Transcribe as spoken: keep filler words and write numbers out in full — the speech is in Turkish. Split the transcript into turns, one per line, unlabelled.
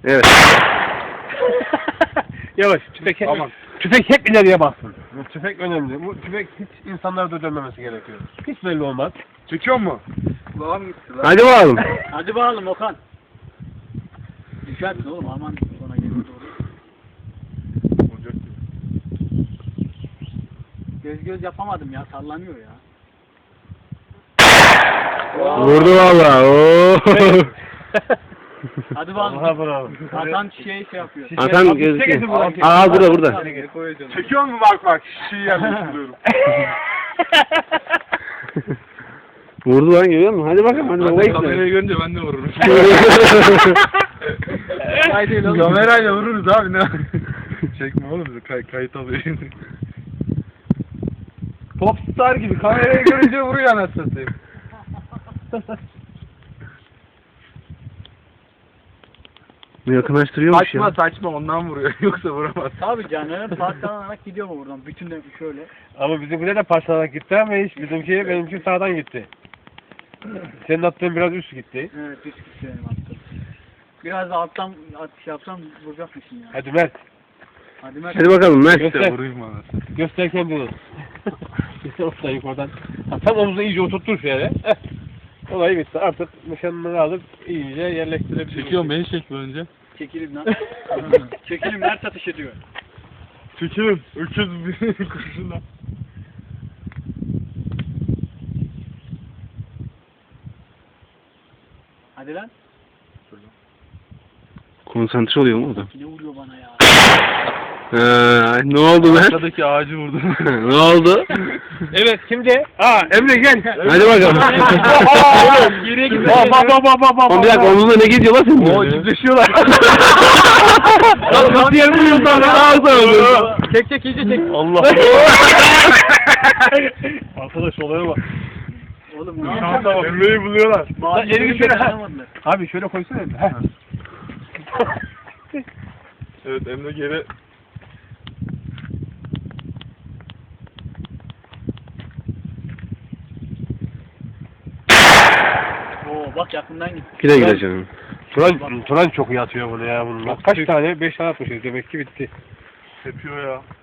Evet.
Yavaş, tüfek hep,
Aman.
tüfek hep ileriye baksın. Bu tüfek önemli. Bu tüfek hiç insanlara da dönmemesi gerekiyor. Hiç belli olmaz.
Çekiyor mu? Kulağım gitti lan.
Hadi bakalım.
Hadi bakalım Okan. Düşersin oğlum aman sonra gelir doğru.
Olacak gibi.
Göz göz yapamadım ya sallanıyor ya.
Vurdu valla. Oo.
Hadi
Aha
bakalım.
bravo.
Hasan şey şey yapıyor.
Hasan gözüküyor. Aa burada burada.
Çekiyor mu bak bak. Şişeyi yerleştiriyorum.
Vurdu lan, görüyor musun? Hadi bakalım, hadi bakalım.
Kamerayı görünce ben de vururum.
Haydi oğlum.
Kamerayla vururuz abi ne? Çekme oğlum bizi kay kayıt alıyor. Popstar gibi kamerayı görünce vuruyor anasını satayım.
Bu yakınlaştırıyormuş ya.
Saçma saçma ondan vuruyor yoksa vuramaz.
Tabii canım parçalanarak gidiyor mu buradan? Bütün de şöyle.
Ama bizimkiler de parçalarak gitti ama hiç bizimki benimki sağdan gitti. Senin attığın biraz üst gitti.
Evet üst gitti benim attım. Biraz da alttan atış yapsam vuracakmışım ya.
Hadi Mert,
Hadi Mert.
Hadi bakalım Mert.
Göster.
Vurayım anasını.
göster kendini. Oradan yukarıdan. Ha, tam omuzu iyice oturtur şöyle. Heh. Olay bitti. Artık nişanını alıp iyice yerleştirebiliriz.
Çekiyorum beni çek önce.
Çekilin lan. Çekilin Mert atış ediyor.
Çekiyorum. Öküz bir kurşunla.
Hadi lan.
Konsantre oluyor mu o da?
Ne vuruyor bana ya?
Ha, ne oldu Mert?
Arkadaki ağacı vurdum.
Ne oldu?
Evet şimdi. Aa Emre gel.
Hadi bakalım.
Geriye git.
Bak bak bak bak bak bak.
Oğlum bir dakika, omuzda ne geziyor lan senin?
Oo çiftleşiyorlar.
Lan nasıl yer buluyorsun lan? Ağzına
Çek çek iyice çek.
Allah. Arkadaş olaya bak.
Oğlum ne
Şansa
yapıyorsun?
bak. Emre'yi buluyorlar.
Mavi
Elini
elini
şöyle-
dayanamadılar.
Abi şöyle koysana. Heh.
Evet Emre geri.
Oo bak yakından gitti.
Güle güle canım.
Turan, Turan çok iyi atıyor bunu ya bunun. Kaç tane? Beş tane atmışız demek ki bitti.
Tepiyor ya.